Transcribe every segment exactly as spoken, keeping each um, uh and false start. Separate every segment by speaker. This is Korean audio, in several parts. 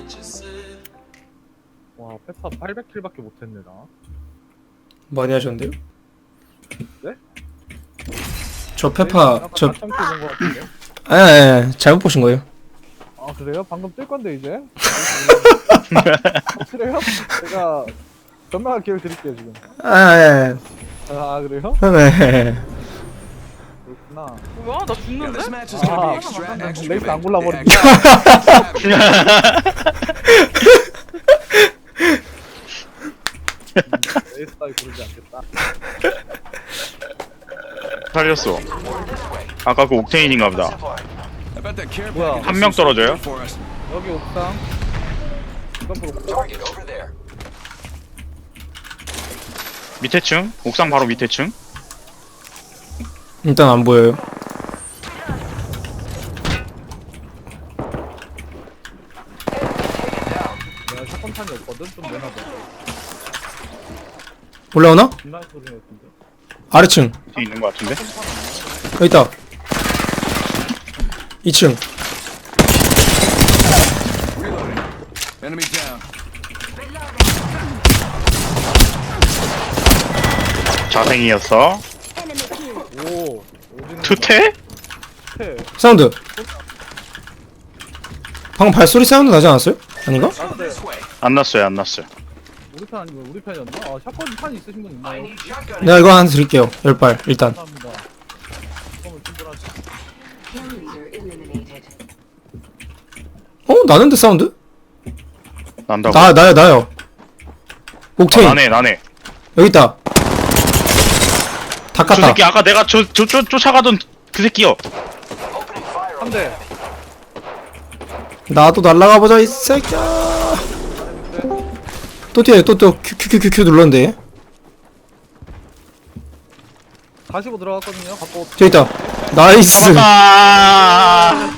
Speaker 1: 와 페파 팔백 킬밖에 못했네 나.
Speaker 2: 많이 하셨는데요?
Speaker 1: 네?
Speaker 2: 저 페파 저
Speaker 1: 킬 본거 같은데?
Speaker 2: 아, 예, 예, 잘못 보신 거예요.
Speaker 1: 아 그래요? 방금 뜰 건데 이제. 그래요? 제가 전망할 기회를 드릴게요 지금.
Speaker 2: 아, 예.
Speaker 1: 아 그래요?
Speaker 2: 네.
Speaker 1: 그렇구나.
Speaker 3: 뭐야? 나 죽는데?
Speaker 1: 아 레이스 안 골라버린다. 레이스 따위 고르지 않겠다.
Speaker 4: 살렸어. 아까 그 옥테인인가 보다.
Speaker 1: 뭐야?
Speaker 4: 한 명 떨어져요?
Speaker 1: 여기 옥상. 이건 옥상.
Speaker 4: 밑에 층? 옥상 바로 밑에 층?
Speaker 2: 일단 안 보여요.
Speaker 1: 내가 사건탄이 없거든. 좀 내놔봐.
Speaker 2: 올라오나?
Speaker 1: 중간 소리 같은데.
Speaker 2: 아래층.
Speaker 4: 뒤에 있는 것 같은데?
Speaker 2: 여기 있다. 이 층.
Speaker 5: Enemy down.
Speaker 4: 자생이었어.
Speaker 1: 오. 오지는
Speaker 4: 투태?
Speaker 1: 태.
Speaker 2: 사운드. 방금 발소리 사운드 나지 않았어요? 아닌가?
Speaker 1: 나한테
Speaker 4: 안 났어요, 안 났어요.
Speaker 1: 우리 편 아니고 우리 편이었나? 아 샷건 탄 있으신 분 있나요?
Speaker 2: 내가 이거 하나 드릴게요. 열 발 일단.
Speaker 1: 감사합니다. 샷건을 충분하지.
Speaker 2: 어? 나는데 사운드?
Speaker 4: 난다고.
Speaker 2: 나 나요 나요.
Speaker 4: 아,
Speaker 2: 옥테인
Speaker 4: 나네, 나네.
Speaker 2: 여기 있다. 다
Speaker 4: 저
Speaker 2: 깠다.
Speaker 4: 새끼 아까 내가 저, 저, 저, 쫓아가던 그 새끼요.
Speaker 1: 한 대.
Speaker 2: 나도 날라가 보자 이 새끼야. 또 뛰어요. 또또 큐큐큐큐 눌렀는데.
Speaker 1: 가시고 들어갔거든요. 갖고.
Speaker 2: 저기 있다. 나이스.
Speaker 4: 아,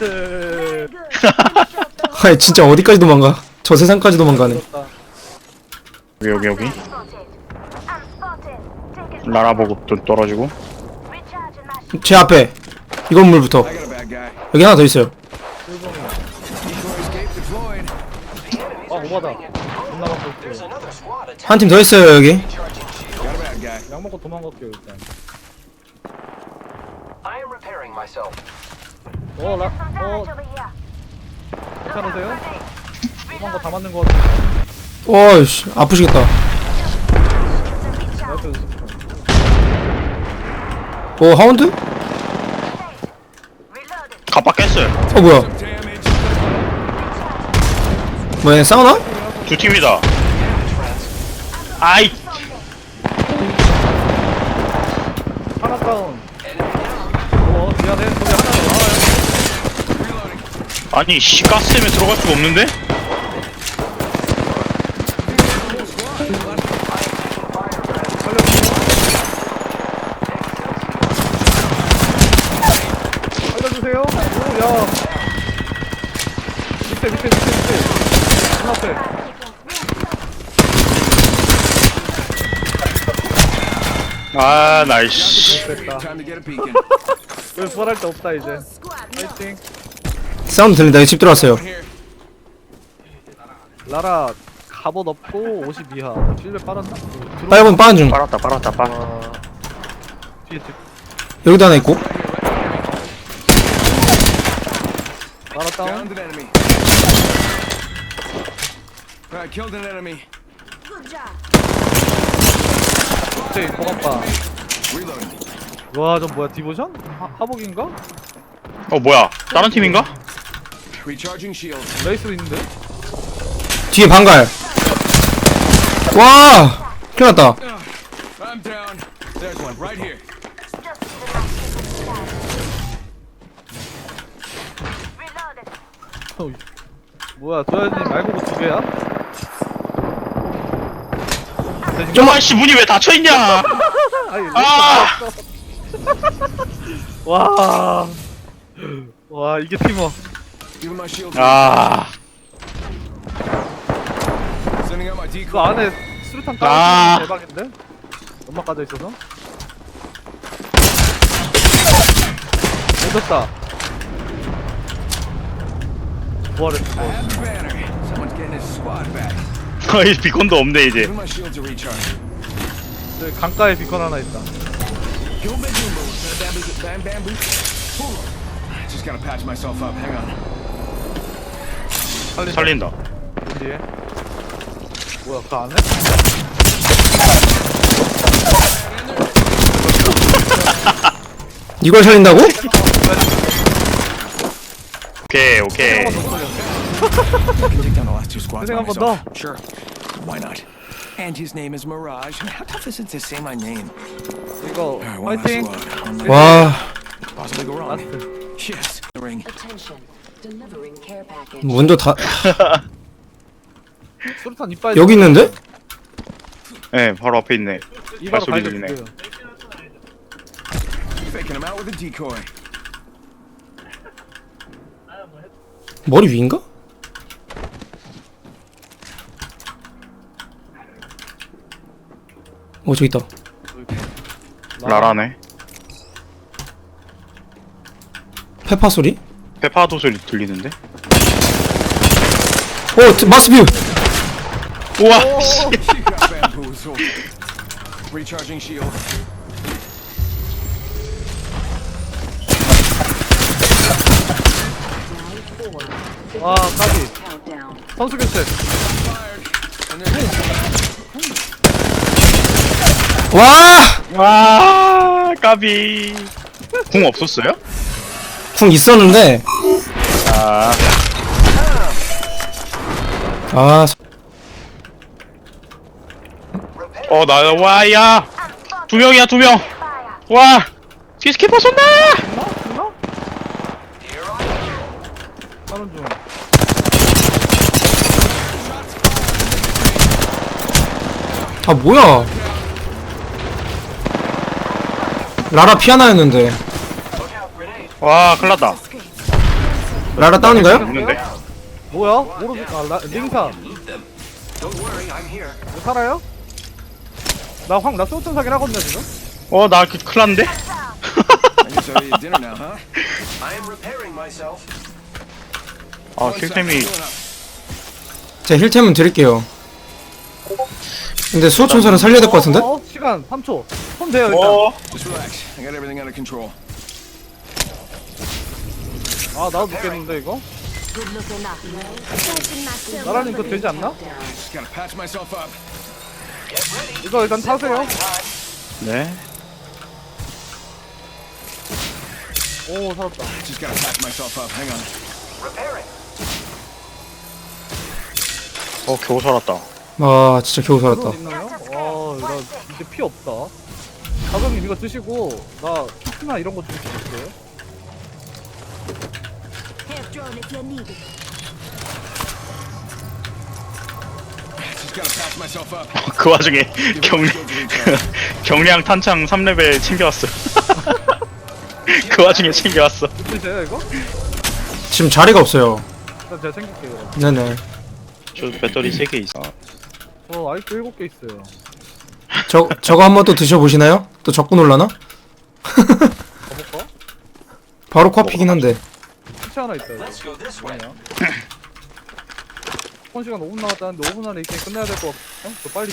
Speaker 2: 아 진짜 어디까지 도망가? 저 세상까지 도망가네.
Speaker 4: 여기, 여기, 여기. 라라 보고 또 떨어지고.
Speaker 2: 제 앞에 이 건물부터
Speaker 5: I got a bad guy.
Speaker 2: 여기 하나 더 있어요.
Speaker 5: Decoy escape deployed.
Speaker 1: 아 오바다. 존나 갖고 있어요.
Speaker 2: 한 팀 더 있어요 여기.
Speaker 5: Got a bad guy.
Speaker 1: 약 먹고 도망갈게요 일단.
Speaker 6: I am repairing myself.
Speaker 1: 어 라. 어 괜찮으세요? 도망가 다 맞는 거 같아.
Speaker 2: 와이씨 아프시겠다.
Speaker 1: 내 앞에 있어.
Speaker 2: 오 하운드?
Speaker 4: 갑박 깼어요.
Speaker 2: 어 뭐야?
Speaker 5: Damage.
Speaker 2: 뭐야 싸우나?
Speaker 4: 두 팀이다. 아이,
Speaker 1: 하나 다운. 어 미안해. 거기 하나 나와요.
Speaker 4: 아니, 씨, 가스 때문에 들어갈 수가 없는데?
Speaker 1: 살려주세요. 오야. 밑에 밑에 밑에 밑에. 문 앞에.
Speaker 4: 아, 나이씨.
Speaker 1: 됐다.
Speaker 5: Time to get a peek in.
Speaker 1: 여기 부활할 데 없다 이제. 파이팅.
Speaker 2: 사운드 들린다. 여기 집 들어왔어요.
Speaker 5: Here.
Speaker 1: 라라 갑옷 없고 오십 이하. 실내 빨았나? 들어-
Speaker 2: 빨간 빠른 중.
Speaker 4: 빨았다, 빨았다, 빨.
Speaker 1: 와. 뒤에 뒤에.
Speaker 2: 여기도 하나 있고.
Speaker 1: 라라 다운.
Speaker 5: Downed an enemy. Alright, killed an enemy.
Speaker 1: 오케이 고갑바.
Speaker 5: Reloading.
Speaker 1: 와, 저 뭐야 디보션? 하, 하복인가?
Speaker 4: 어, 뭐야? 다른 팀인가?
Speaker 5: Recharging shield.
Speaker 1: 레이스도 있는데?
Speaker 2: 뒤에 방갈. 와 큰일났다.
Speaker 5: I'm down. There's one right here.
Speaker 1: 어이, 뭐야 도현님 말고 두 개야?
Speaker 4: 좀 아이씨, 문이 왜 닫혀있냐?
Speaker 1: 아니,
Speaker 4: 아!
Speaker 1: 와, 와 이게 팀워.
Speaker 5: Give him my shield.
Speaker 4: 아,
Speaker 5: Sending out my
Speaker 1: 그
Speaker 5: decoy.
Speaker 1: 안에 수류탄
Speaker 4: 아.
Speaker 1: 까는 대박인데? 연막 까져 있어서. 늦었다. 부활했어.
Speaker 5: I have the banner. Someone's getting his squad back.
Speaker 4: 거의 비콘도 없네 이제.
Speaker 5: Giving my shields a recharge.
Speaker 1: 저기 강가에 비컨 하나 있다.
Speaker 5: Give him a bamboo. Bamboo. Bam bamboo. Ooh. Just gotta patch myself up. Hang on.
Speaker 1: 살린다.
Speaker 4: 살린다.
Speaker 1: 뒤에. 뭐야 그 안에?
Speaker 2: 이걸 살린다고?
Speaker 4: 오케이 오케이.
Speaker 5: I can take down the last two squads by
Speaker 1: Think I'm
Speaker 5: myself.
Speaker 1: a
Speaker 5: Sure. Why not? And his name is Mirage. I mean, how tough is it to say my name?
Speaker 1: 이거
Speaker 5: Alright, one last
Speaker 1: 파이팅.
Speaker 5: look. One last-
Speaker 2: 와
Speaker 5: Possibly go wrong.
Speaker 1: 라스트.
Speaker 5: Yes. The ring.
Speaker 3: Attention, delivering care package.
Speaker 2: 문도 다
Speaker 1: 수류탄 이빨.
Speaker 2: 여기 있는데?
Speaker 4: 네 바로 앞에 있네.
Speaker 1: 이바로
Speaker 4: 발소리
Speaker 1: 발견.
Speaker 4: 들리네.
Speaker 5: Faking him out with a decoy.
Speaker 2: 머리 위인가? 어 저기 있다.
Speaker 4: 라라네.
Speaker 2: 페파 소리?
Speaker 4: 페파도 소리 들리는데?
Speaker 2: 어 저- 마스뷰.
Speaker 4: 우와. 씨.
Speaker 5: You got bamboozled. Recharging shield.
Speaker 1: 와 까비.
Speaker 3: Countdown.
Speaker 1: 선수 교체.
Speaker 5: And then
Speaker 2: 와!
Speaker 4: 와 까비. 궁 없었어요?
Speaker 2: 궁 있었는데
Speaker 4: 아
Speaker 2: 아
Speaker 4: 어, 나, 와, 야! 두 명이야, 두 명! 와! 피스키퍼 쏜다!
Speaker 1: 죽나? 죽나? 다른 중.
Speaker 2: 아 뭐야? 라라 피아나였는데
Speaker 4: 와, 큰일 났다.
Speaker 2: 라라 다운인가요?
Speaker 4: 없는데?
Speaker 1: 뭐야? 모르지. 아 라, 링사. 너 살아요? 나황나 쏘튼 사긴 하거든요 지금.
Speaker 4: 어, 나 그, 큰일 났는데?
Speaker 5: I guess I eat dinner now, huh?
Speaker 6: I am repairing myself.
Speaker 4: 아,
Speaker 5: One sec,
Speaker 4: 킬템이.
Speaker 5: healing up.
Speaker 2: 제 힐템은 드릴게요. 근데 수호천사는 살려야 될 것 같은데?
Speaker 1: 어, 어, 시간 삼 초. 손 돼요 일단.
Speaker 4: 어,
Speaker 5: Just relax. I got everything under control.
Speaker 1: 아 나도 죽겠는데 이거?
Speaker 3: Good looking up.
Speaker 1: 나라님 그거 되지 않나?
Speaker 5: Just gotta patch myself up.
Speaker 1: 이거 일단 타세요.
Speaker 4: 네.
Speaker 1: 오 살았다.
Speaker 5: Just gotta patch myself up. Hang on.
Speaker 6: Repairing.
Speaker 4: 어, 겨우 살았다.
Speaker 2: 아 진짜 겨우 살았다.
Speaker 1: 드론 있나요? 아나 이제 피 없다. 가정님 이거 드시고 나 키트나 이런 거 좀 주실게요.
Speaker 3: Have drone if you need it.
Speaker 5: Just gotta patch myself up.
Speaker 4: 그 와중에 경,
Speaker 5: Shields a recharge.
Speaker 4: 경량 탄창 삼 레벨 챙겨왔어. 그 와중에 챙겨왔어.
Speaker 1: 드세요 이거?
Speaker 2: 지금 자리가 없어요.
Speaker 1: 일단 제가 챙길게요.
Speaker 2: 네네.
Speaker 4: 저 배터리 세 개 있어.
Speaker 1: 저 아직도 일곱 개 있어요.
Speaker 2: 저 저거 한번 또 드셔보시나요? 또 적군 올라나?
Speaker 1: 가볼까?
Speaker 2: 바로 코앞이긴 한데.
Speaker 1: 키트 하나 있다 이거.
Speaker 6: Let's go this way.
Speaker 1: 뭐냐? 한 시간 오 분 남았다는데 오 분 안에 이 게임 끝내야 될 것 같아. 저 빨리.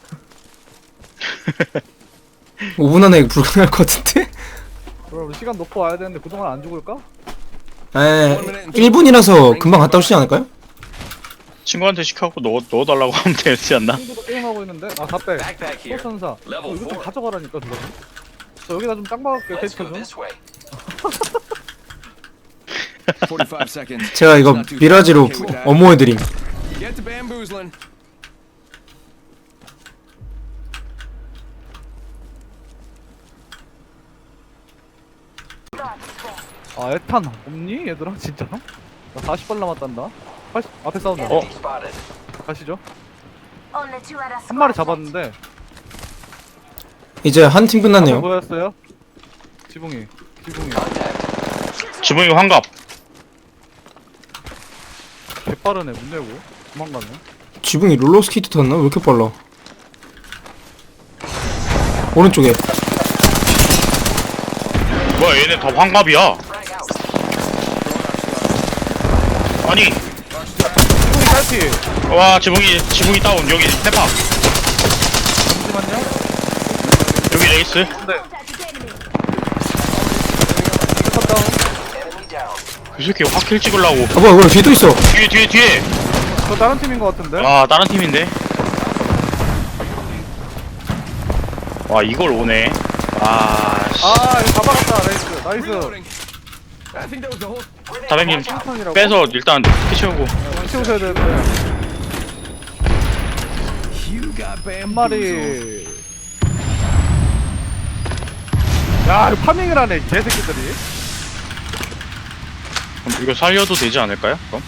Speaker 2: 오 분 안에 불가능할 것 같은데?
Speaker 1: 그럼 시간 놓고 와야 되는데 그동안 안 죽을까?
Speaker 2: 에 일 분이라서 금방 갔다 오시지 않을까요?
Speaker 4: 친구한테 시켜갖고 넣어, 넣어달라고 하면 되지 않나?
Speaker 1: 친구도 게임하고 있는데 아 답배
Speaker 6: Backpack here.
Speaker 1: 소천사 어,
Speaker 6: Level
Speaker 1: 이거 좀
Speaker 6: four.
Speaker 1: 가져가라니까 누가 저 여기다 좀 짱 박을게요
Speaker 6: Let's
Speaker 1: 캐스터
Speaker 6: go
Speaker 1: 좀
Speaker 6: this way.
Speaker 5: forty-five seconds.
Speaker 2: 제가 이거 미라지로 부- 어모해드림.
Speaker 5: Get to bamboozling.
Speaker 1: 아 에탄 없니 얘들아 진짜? 나 사십 발 남았단다 팔십 앞에 싸운다
Speaker 6: Enemy spotted.
Speaker 1: 가시죠
Speaker 3: Only two at a
Speaker 1: 한 마리 잡았는데
Speaker 2: 이제 한 팀
Speaker 1: 앞에
Speaker 2: 끝났네요.
Speaker 1: 뭐였어요? 지붕이 지붕이
Speaker 4: 지붕이 환갑.
Speaker 1: 개빠르네 문 열고 도망가네
Speaker 2: 지붕이 롤러스케이트 탔나? 왜 이렇게 빨라? 오른쪽에.
Speaker 4: 뭐야, 얘네 다 환갑이야.
Speaker 6: Frag out.
Speaker 4: 아니,
Speaker 1: 딸피.
Speaker 4: 와 지붕이 지붕이 다운. 여기 페파.
Speaker 1: 잠시만요.
Speaker 4: 여기 레이스.
Speaker 1: 근데 컷 다운.
Speaker 6: Enemy down.
Speaker 4: 그 새끼 확킬 찍으려고.
Speaker 2: 아 뭐야 뭐야 뒤에 또 있어.
Speaker 4: 뒤에 뒤에 뒤에.
Speaker 1: 저 다른 팀인 것 같은데.
Speaker 4: 아 다른 팀인데. 와 이걸 오네. 아 씨.
Speaker 1: 아 이거 다 박았다. 나이스. 나이스.
Speaker 5: Reloading. I think that was the whole.
Speaker 4: 다백님
Speaker 1: 턴이라고?
Speaker 4: 빼서 일단 피 채우고.
Speaker 1: 치우셔야 되는데.
Speaker 5: You got
Speaker 1: 한
Speaker 5: bamboozled.
Speaker 1: 마리. 야, 이거 파밍을 하네, 이 개새끼들이.
Speaker 4: 그럼 이거 살려도 되지 않을까요? 그럼?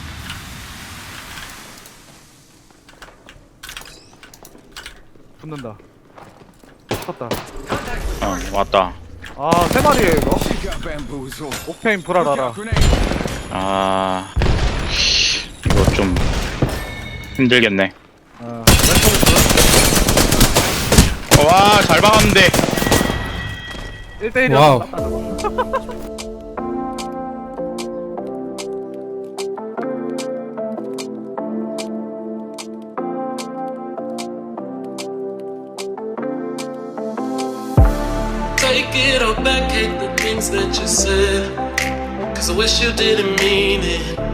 Speaker 1: 붙는다. 붙었다.
Speaker 4: 어 왔다.
Speaker 1: 아, 세 마리에 이거.
Speaker 5: You got bamboozled.
Speaker 1: 옥테인
Speaker 5: Look
Speaker 1: 불알아라.
Speaker 5: out, grenade.
Speaker 4: 아 이거 좀 힘들겠네.
Speaker 1: 어, 왼쪽에
Speaker 4: 와 잘 박았는데.
Speaker 1: 일 대 일이야.
Speaker 2: 와우.
Speaker 7: Take it all back, hate the things that you said. Cause I wish you didn't mean it.